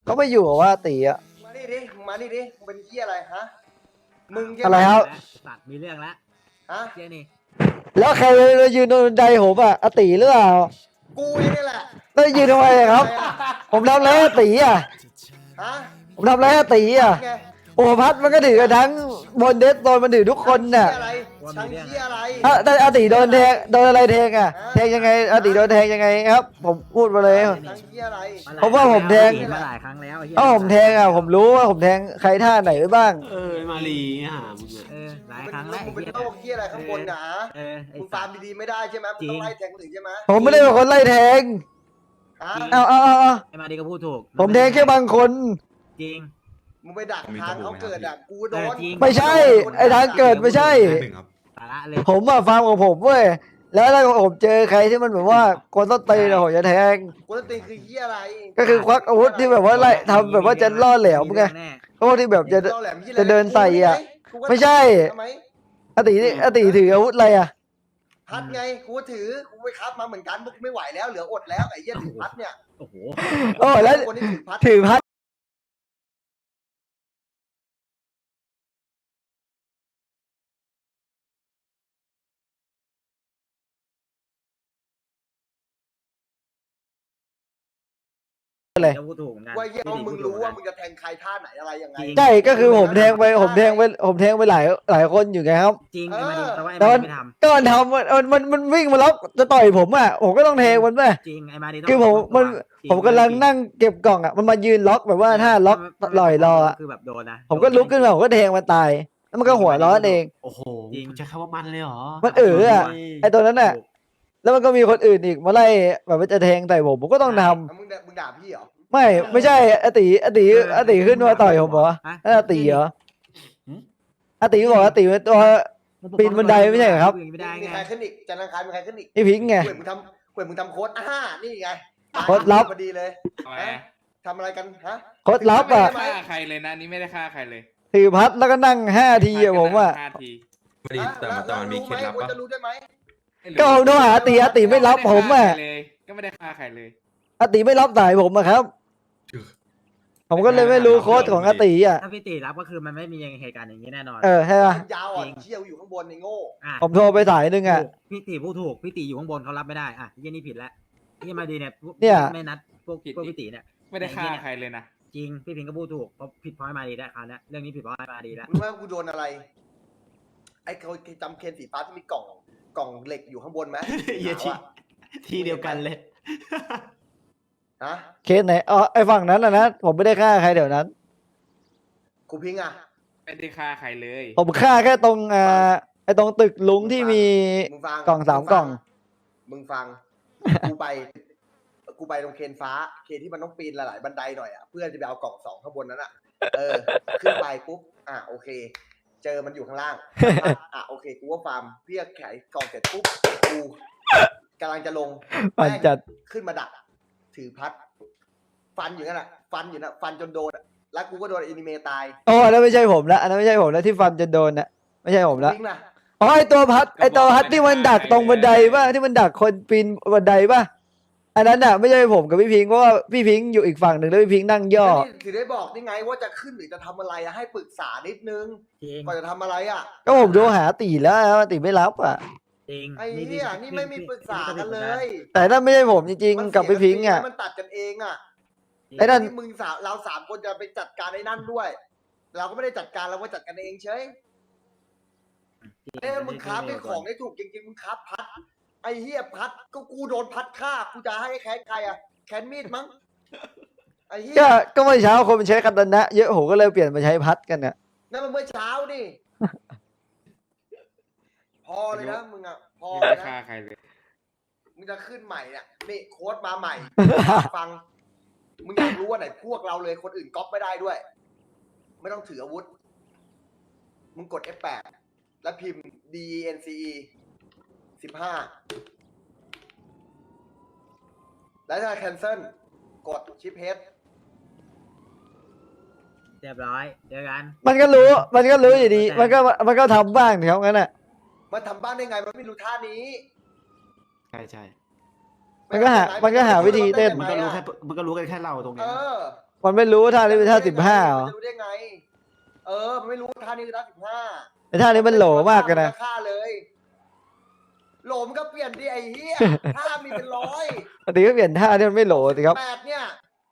เขาไม่อยู่ว่าตีอะมานี่ดิมานี่ดิมึงเป็นเหี้ยอะไรฮะมึงอะไรครับสัตว์มีเรื่องแล้วฮะเจ๊นี่แล้วใครยืนโดนใจผมอะอติหรือเปล่ากูเองนี่แหละแล้วยืนทำไมครับผมทำอะไรอติอะฮะผมทำอะไรอติอะโอ้พัดมันก็ถือกันทั้งบนเดสโดนมันถือทุกคนน่ะทั้งเหี้ยอะไรแต่อติโดนแทงโดนอะไรแทงอะแทงยังไงอติโดนแทงยังไงครับผมพูดมาเลยทั้งเหี้ยอะไรเพราะว่าผมแทงมาหลายครั้งแล้วถ้าผมแทงอะผมรู้ว่าผมแทงใครท่าไหนไว้บ้างมาลีหามึงหลายครั้งแล้วมึงเป็นโรคเหี้ยอะไรข้างบนนะมึงฟาร์มดีๆไม่ได้ใช่ไหมมึงต้องไล่แทงคนอื่นใช่ไหมผมไม่ได้เป็นคนไล่แทงเอาไอ้มาดีก็พูดถูกผมแทงแค่บางคนจริงมึงไปดักทางเขาเกิดอ่ะกูโดนไม่ใช่ไอ้ทางเกิดไม่ใช่ผมอะฟาร์มของผมเว้ยแล้วถ้าผมเจอใครที่มันแบบว่าคนต้นตีนผมจะแทงคนต้นตีนคือเหี้ยอะไรก็คือควักอาวุธที่แบบว่าไล่ทำแบบว่าจะล่อแหลมไงพวกที่แบบจะเดินใส่อ่ะไม่ใช่อติถืออาวุธอะไรอ่ะพัดไงกูถือกูไปคับมาเหมือนกันพวกไม่ไหวแล้วเหลืออดแล้วไอ้เหี้ยถือพัดเนี่ยโอ้โหแล้วคนที่ถือพัดว่าเยี่ยมมึงรู้ว่ามึงจะแทงใครท่าไหนอะไรยังไงใช่ก็คือผมแทงไปหลายคนอยู่ไงครับจริงแต่ว่าไอ้มาดีไม่ทำก็มันทำมันวิ่งมาล็อกจะต่อยผมอ่ะผมก็ต้องแทงมันไปจริงไอ้มาดีคือผมกำลังนั่งเก็บกล่องอ่ะมันมายืนล็อกแบบว่าถ้าล็อกลอยรอคือแบบโดนนะผมก็ลุกขึ้นมาผมก็แทงมันตายแล้วมันก็หัวร้อนเองโอ้โหใช้คำว่ามันเลยเหรอมันอ่ะไอตัวนั้นน่ะแล้วมันก็มีคนอื่นอีกมาไล่แบบว่าจะแทงใส่ผมก็ต้องทำมึงด่าพี่เหรอไม่ใช่อติขึ้นมาต่อยผมเหรออติเหรออติบอกอติเป็นตัวปีนบันไดไม่ใช่ครับมีใครขึ้นอีกจันทร์อังคารมีใครขึ้นอีกพี่พิงค์ไงเว้ยมึงทำโค้ดนี่ไงโค้ดลับพอดีเลยทำอะไรกันฮะโค้ดลับอ่ะไม่ได้ฆ่าใครเลยนะนี่ไม่ได้ฆ่าใครเลยถือพัดแล้วก็นั่ง5 ทีอะผมอ่ะไม่ดีแต่มันมีเคล็ดลับปะจะรู้ได้ไหมก็ผมโทรหาอติไม่รับผมอ่ะก็ไม่ได้ฆ่าใครเลยอติไม่รับสายผมอะครับผมก็เลยไม่รู้โค้ดของอติอ่ะถ้าพี่ติรับก็คือมันไม่มีเหตุการณ์อย่างนี้แน่นอนใช่ป่ะยาวอ่ะเชี่ยวอยู่ข้างบนในโง่ผมโทรไปสายนึงอ่ะพี่ติพูดถูกพี่ติอยู่ข้างบนเขารับไม่ได้อ่ะยี่นี่ผิดแล้วยี่มาดีเนี่ยไม่นัดพวกพี่ติเนี่ยไม่ได้ฆ่าใครเลยนะจริงพี่พิงก็พูดถูกเพราะผิดเพราะมาดีแล้วคราวนี้เรื่องนี้ผิดเพราะมาดีแล้วรู้ไหมกูโดนอะไรไอ้เขาจำเคนสีฟ้าที่มีกล่องเหล็กอยู่ข้างบนไหมทีเดียวกันเลยเคสไหนไอ้ฝั่งนั้นนะผมไม่ได้ฆ่าใครเดี๋ยวนั้นกูพิงอ่ะไม่ได้ฆ่าใครเลยผมฆ่าแค่ตรงไอ้ตรงตึกลุงที่มีกล่อง3 กล่องมึงฟังกูไปตรงเคนฟ้าที่มันต้องปีนหลายบันไดหน่อยอ่ะเพื่อจะไปเอากล่อง2ข้างบนนั้นอ่ะขึ้นไปปุ๊บโอเคเจอมันอยู่ข้างล่างโอเคกูว่าฟาร์มเพื่อขายกล่องเสร็จปุ๊บกูกำลังจะลงจัดขึ้นมาดักถือพัดฟันอยู่นั่นแหละฟันจนโดนแล้วกูก็โดนแอนิเมตายแล้วไม่ใช่ผมละอันนั้นไม่ใช่ผมละที่ฟันจนโดนนะไม่ใช่ผมละไอตัวพัดที่มันดักตรงบันไดป่ะที่มันดักคนปีนบันไดป่ะอันนั้นน่ะไม่ใช่ผมกับพี่พิงเพราะว่าพี่พิงอยู่อีกฝั่งหนึ่งแล้วพี่พิงนั่งย่อถือได้บอกนี่ไงว่าจะขึ้นหรือจะทำอะไรให้ปรึกษานิดนึงก่อนจะทำอะไรก็ผมโทรหาตีแล้วตีไม่รับไอ้เนี่ยนี่ไม่มีปรึกษากันเลยแต่นั่นไม่ใช่ผมจริงๆกับพี่พิงมันตัดกันเองไอ้นั่นมึงเรา3 คนจะไปจัดการไอ้นั่นด้วยเราก็ไม่ได้จัดการเราว่าจัดกันเองเฉยมึงค้าเป็นของได้ถูกจริงๆมึงค้าพัดไอ้เหี้ยพัดก็กูโดนพัดฆ่ากูจะให้แค้นใครแค้นมีดมั้งไอ้เหี้ยก็เมื่อเช้าคนมันใช้คันนะเยอะโหก็เลยเปลี่ยนมาใช้พัดกันเนี่ยนั่นมันเมื่อเช้าดิพอเลยนะมึงพอเลยนะฆ่าใครเลยมึงจะขึ้นใหม่เนี่ยนี่โค้ดมาใหม่ฟังมึงอยากรู้ว่าไหนพวกเราเลยคนอื่นก๊อปไม่ได้ด้วยไม่ต้องถืออาวุธมึงกด F8 แล้วพิมพ์ DENCE 15แล้วถ้า cancel กดชิปเฮดเรียบร้อยเจอกันมันก็รู้อยู่ดีมันก็ทำบ้างเดี๋ยวงั้นน่ะมันทำบ้างได้ไงมันไม่รู้ท่านี้ใช่มันก็หาวิธีเต้นมันก็รู้กันแค่เราตรงนี้มันไม่รู้ว่าท่านี้เป็นท่า15เหรอมันจะรู้ได้ไง มันไม่รู้ว่าท่านี้คือท่า15 ไอ้ท่านี้มันโหลมากเลยนะฆ่าเลย โหลมนก็เปลี่ยนดิไอ้เหี้ยท่ามีเป็นร้อยปกติก็เปลี่ยนท่าที่มันไม่โหลสิครับ 8เนี่ย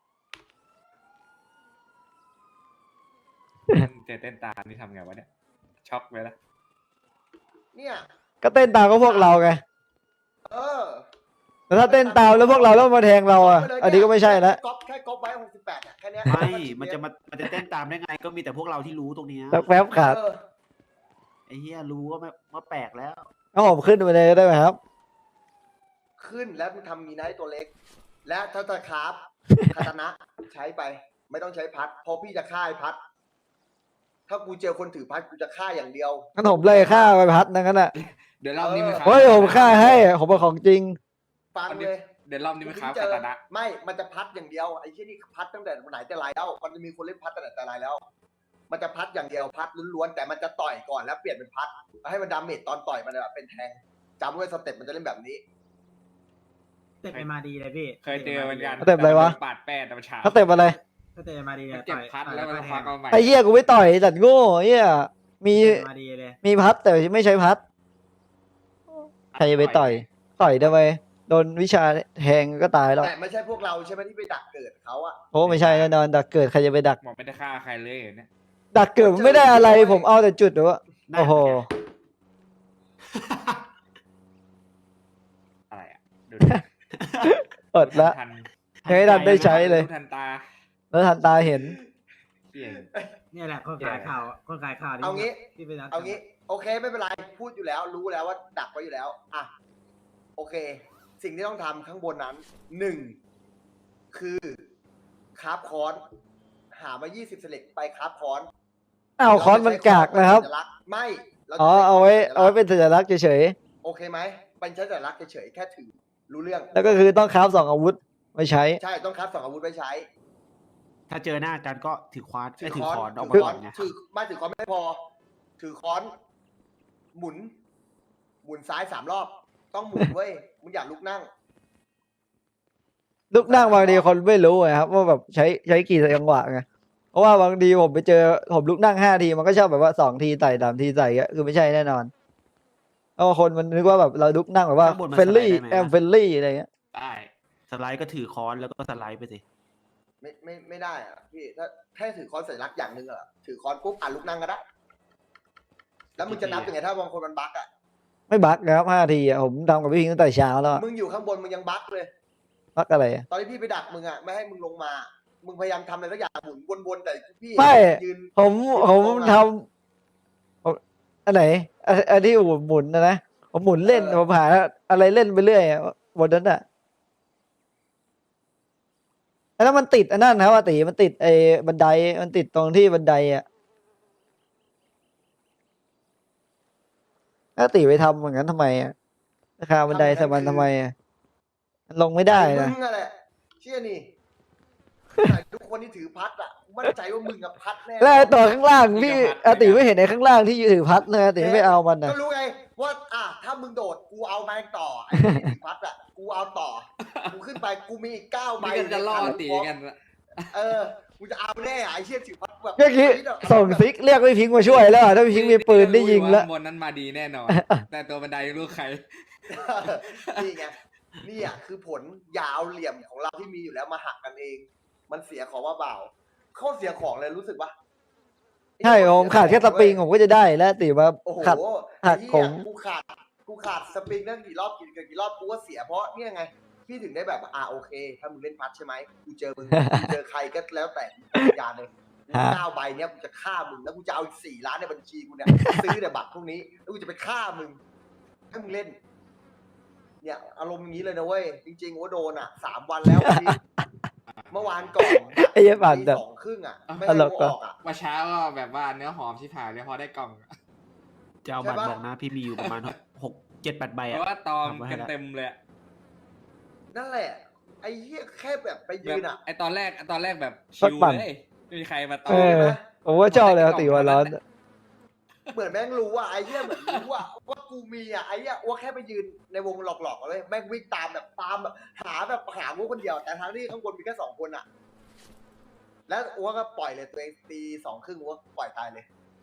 เต้นตามนี่ทำไงวะเนี่ย ช็อกเลยละเนี่ยก็เต้นตามก็พวกเราไงเออแต่ถ้าเต้นตามแล้วพวกเราแล้วมาแทงเราอ่ะ อันนี้ก็ไม่ใช่ละแค่ก๊อปไว้68เนี่ยแค่เนี้ยไม่มันจะเต้นตามได้ไง ก็มีแต่พวกเราที่รู้ตรงเนี้ยสักแป๊บขาดเออไอ้เหี้ยรู้ว่าแปลกแล้วเอาผมขึ้นไปเลยได้ไหมครับขึ้นแล้วมึงทำมีไนท์ตัวเล็ก และถ้าจะคราฟคาตานะใช้ไป ไม่ต้องใช้พัดเพราะพี่จะฆ่าไอ้พัด ถ้ากูเจอคนถือพัดกูจะฆ่าอย่างเดียวงั้นผมเลยฆ่าไปพัดนั่นกันอ่ะเดี๋ยวรอบนี้มันเฮ้ยผมฆ่าให้ผมเป็นของจริงฟังเลยเดี๋ยวรอบนี้มันค้าเจคาอตานะไม่ มันจะพัดอย่างเดียวไอ้ที่นี่พัดตั้งแต่ไหนแต่ไรแล้ว มันจะมีคนเล่นพัดตั้งแต่ไรแล้ว มันจะพัดอย่างเดียวพัดล้วนๆแต่มันจะต่อยก่อนแล้วเปลี่ยนเป็นพัดให้มันดาเมจตอนต่อยมันแบบเป็นแทงจำไว้สเต็ปมันจะเล่นแบบนี้เตะไปมาดีเลยพี่เคยเจอเหมือนกันสเต็ปอะไรวะปาดแป้แต่มันช้าเขาเต็มอะไรก็เตะมาดีเลมัยนเจ็บพัดแล้วมันควักเอาใหม่ไอ้เหี้ยกูไม่ต่อยจัดโง่ไอ้เหี้ยมีเตะมาดีเลยมีพัดแต่ไม่ใช้พัด ใครจะไปต่อย ต่อยทำไมโดนวิชาแทงก็ตายแล้วแต่ไม่ใช่พวกเราใช่ไหมที่ไปดักเกิดเขาอะโอ้ไม่ใช่แน่นอนดักเกิดใครจะไปดักบอกไม่ได้ฆ่าใครเลยเนี่ยดักเกิดมันไม่ได้อะไรผมเอาแต่จุดหรือว่าโอ้โหอะไรอ่ะดูเปิดละทันยังไม่ทันได้ใช้เลยทันตาแล้วทันตาเห็นเปลี่ยนเนี่ยแหละคนขายข่าวคนขายข่าวเอางี้ที่เป็นนักเอางี้ โอเคไม่เป็นไรพูดอยู่แล้ว รู้แล้วว่าดักไว้อยู่แล้วอ่ะโอเค สิ่งที่ต้องทำข้างบนนั้น1คือคราฟคอนหามา20สเล็กไปคราฟคอนอ้าวคอนมันกากนะครับไม่เราจะอ๋อใช้เอาไว้เป็นสัญลักษณ์เฉยโอเคไหมเป็นใช้สัญลักษณ์เฉยๆแค่ถือรู้เรื่องๆแล้วก็คือต้องคราฟ2 อาวุธไม่ใช้ใช่ต้องคราฟ2อาวุธไว้ใช้ถ้าเจอหน้ากันก็ถือค้อนถือค้อนออกมาถือก่ค้ออน นไงถือไม่ถือค้อนไม่พอ ถือค้อนหมุนซ้าย3 รอบ ต้องหมุนเว้ยมึงอย่าลุกนั่งลูกนั่งบางทีคนไม่รู้ไงครับว่าแบบใช้กี่จังหวะไงเพราะว่าบางทีผมไปเจอผมลุกนั่ง5 ทีมันก็ชอบแบบว่า2 ทีใส่3 ทีใส่เงี้ยคือไม่ใช่แน่นอนเพราะว่าคนมันนึกว่าแบบเราลุกนั่งแบบว่าเฟลลี่แอมเฟลลี่อะไรเงี้ยได้สไลด์ก็ถือค้อนแล้วก็สไลด์ไปสิไม่ได้อะพี่ถ้าแค่ถือค้อนสัญลักษณ์อย่างหนึ่งอะถือค้อนปุ๊บลุกนั่งก็ได้ แล้วมึงจะนับยังไงถ้าบางคนมันบั๊กอะไม่บั๊กนะครับ5 ทีผมทำกับพี่พิงตั้งแต่เช้าแล้วอะมึงอยู่ข้างบนมึงยังบั๊กเลยบั๊กอะไรอะตอนที่พี่ไปดักมึงอะไม่ให้มึงลงมา มึงพยายามทำอะไรสักอย่างหมุนวนๆแต่พี่ไม่ยืนผมทำอันไหนอันที่หมุนนะผมหมุนเล่นผมหาอะไรเล่นไปเรื่อยอะบนนั้นอะแล้วมันติดอันนั้นครับว่าตีมันติดไอ้บันไดมันติดตรงที่บันไดอะถ้าตีไปทำอย่างนั้นทำไมอะราคาบันไดใส่มันทำไมอะมันลงไม่ได้นะมึงอะแหละเชื่อนี่ทุกคนที่ถือพัดอะมั่นใจว่ามึงกับพัดแน่แล้วไอ้ตัวข้างล่างพี่อาติไม่เห็นไอ้ข้างล่างที่ถือพัดเลยอาติไม่เอามันนะก็รู้ไงว่าถ้ามึงโดดกูเอาแมงต่อไอ้ที่ถือพัดอะกูเอาต่อกูขึ้นไปกูมีอีก9 ใบนี่กันจะล่อตีกันกูจะเอาแน่ไอ้เชี่ยถือพัดแบบเมื่อกี้ส่งซิกเรียกพี่พิงค์มาช่วยแล้วอะถ้าพี่พิงค์มีปืนได้ยิงแล้วบนนั้นมาดีแน่นอน แต่ตัวบันไดรู้ใครนี่ไงนี่อะคือผลอย่าเอาเหลี่ยมของเราที่มีอยู่แล้วมาหักกันเอง มันเสียของว่าเบาโคตรเสียของเลยรู้สึกปะใช่ผมขาดแค่สปริงผมก็จะได้แล้วติมาโอ้โหขัด หักไอ้ผเหี้ยมกูขาดสปริงนั่งกี่รอบกี่รอบกูก็เสียเพราะเนี่ยไงพี่ถึงได้แบบโอเค ถ้ามึงเล่นพัดใช่ไหมกูเจอมึง กูเจอใครก็แล้วแต่ยานเลยกู9 ใบเนี้ยกูจะฆ่ามึงแล้วกูจะเอาอีก4 ล้านในบัญชีกูเนี่ยซื้อแต่บัตรพวกนี้แล้วกูจะไปฆ่ามึงให้มึงเล่น เนี่ยอารมณ์อย่างนี้เลยนะเว้ยจริงๆว่าโดน3 วันแล้วพี่เมื่อวานก่อนไอ้เหี้ยปั่นตีแบบ 2:30ไม่ให้ตลกกูอะออกว่าเช้าก็แบบว่าเนื้อหอมชิบหายเลยพอได้กล่องจะเอาบัตรบอกนะพี่มีอยู่ประมาณ6-7-8 ใบเพอะราะว่าตอมทำไว้ให้กันแล้วเต็มเลยอะนั่นแหละ ไอ้เหี้ยแค่แบบไปยืแบบนไอตอนแรกแบบชิวเลยไม่มีใครมาตอเอมอ ผมว่าชอบเลยติวันร้อนเหมือนแม่งรู้ไอ้เหี้ยเหมือนรู้ว่ากูมีไอ้เหี้ยว่าแค่ไปยืนในวงหลอกๆเลยแม่งวิ่งตามแบบหาพวกคนเดียวแต่ทั้งที่ข้างบนมีแค่2 คนแล้วอ้วก็ปล่อยเลยตัวเองตี2 ครึ่งอ้วปล่อยตายเลย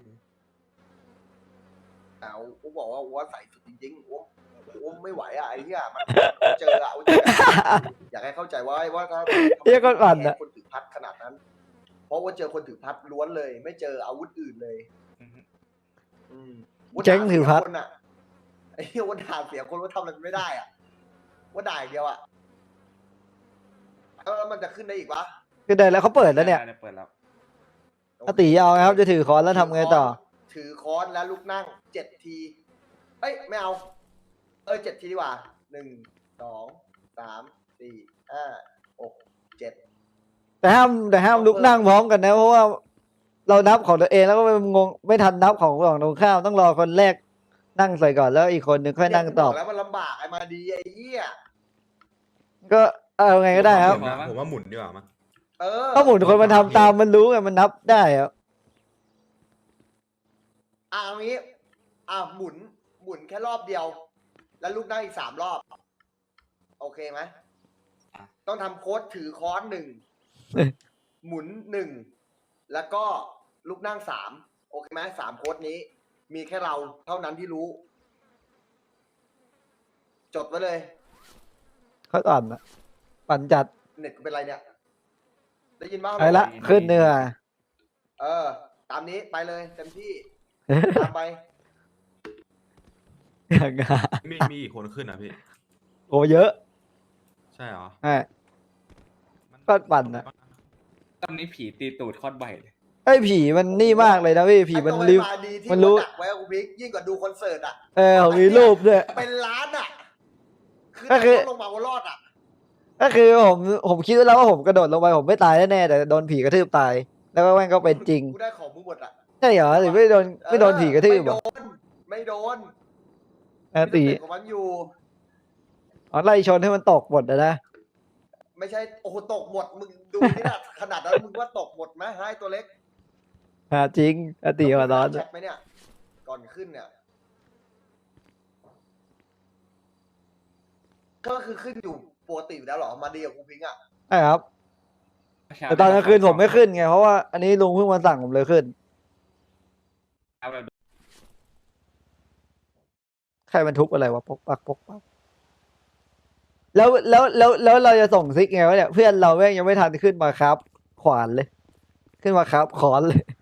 แต่อ้วบอกว่าอ้วใส่สุดจริงๆอ้วไม่ไหวอ่ะไอ้เหี้ยมันเจออ่ะอยากให้เข้าใจว่าถ้าเหี้ยก็ปั่นอะคนถือพัดขนาดนั้น เพราะว่าเจอคนถือพัดล้วนเลย ไม่เจออาวุธอื่นเลย อืมเจ๊งถือพัดว่าด่าเสียคนอะไอ้เหี้ยว่าด่าเสียคนว่าทำอะไรไม่ได้อ่ะว่าด่าอย่างเดียวอ่ะแล้วมันจะขึ้นได้อีกวะคือได้แล้วเขาเปิดแล้วเนี่ยเปิดแล้วอาติเอาไงครับจะถือค้อนแล้วทำไงต่อถือค้อนแล้วลุกนั่ง7 ทีเอ้ยไม่เอา7 ทีดีกว่า1 2 3 4 5 6 7 แต่ห้ามลุกนั่งพร้อมกันนะเพราะว่าเรานับของตัวเองแล้วก็ไปงงไม่ทันนับของตรงข้ามต้องรอคนแรกนั่งใส่ก่อนแล้วอีกคนนึงค่อยนั่งตอบแล้วมันลำบากไอ้มาดีไอ้เหี้ยก็เอาไงก็ได้ครับผมว่าหมุนดีกว่ามั้ยถ้าหมุนคนมันทำตามมันรู้ไงมันนับได้ครับเอางี้หมุนแค่รอบเดียว แล้วลุกนั่งอีก3 รอบ โอเคไหมต้องทำโค้ดถือค้อน1 หมุน1 แล้วก็ลุกนั่ง3 โอเคไหม3 โค้ดนี้ มีแค่เราเท่านั้นที่รู้ จดไว้เลยเขาอ่อนนะปั่นจัดเน็ตกูเป็นไรเนี่ย ได้ยินบ้างไปละขึ้นเนื้อตามนี้ไปเลยเต็มที่ ตามไปอย่างเงี้ยมีอีกคนขึ้นนะพี่โอ้เยอะใช่เหรอใช่ ก็ปั่นนะตอนนี้ผีตีตูดโคตรบ่อยเลยไอ้ยผีมันนี่มากเลยนะพี่ผีมันไอ้ริ้วตัวไอ้มาดีที่มันรู้ดักไว้กูพิกยิ่งกว่าดูคอนเสิร์ตอ่ะผมมีรูปด้วยเป็นล้านอ่ะก็คือลงมาว่ารอดอ่ะก็คือผมคิดไว้แล้วว่าผมกระโดดลงไปผมไม่ตายแน่ๆแต่โดนผีกระทืบตาย แล้วก็แม่งก็เป็นจริงกูได้ของมึงหมดอ่ะใช่เหรอหรือไม่โดนผีกระทืบเหรอไม่โดนตีมีสเต็ปของมันอยู่อ๋อไล่ชนให้มันตกหมดนะไม่ใช่โอ้โหตกหมดมึงดูนี่นะขนาดนั้นมึงว่าตกหมดไหมให้ตัวเล็กจริงตีหัวร้อนแชทไหมเนี่ย ก่อนขึ้นเนี่ย ก็คือขึ้นอยู่ปกติอยู่แล้วเหรอมาดีกับกูพิงค์อ่ะใช่ครับแต่ตอนกลางคืนผมไม่ขึ้นไงเพราะว่าอันนี้ลุงเพิ่งมาสั่งผมเลยขึ้นเอาแบบใครมันทุบอะไรวะปกปักแล้วเราจะส่งซิกไงวะเนี่ยเพื่อนเราแม่งยังไม่ทันขึ้นมาครับ ขวานเลย ขึ้นมาครับขอนเลย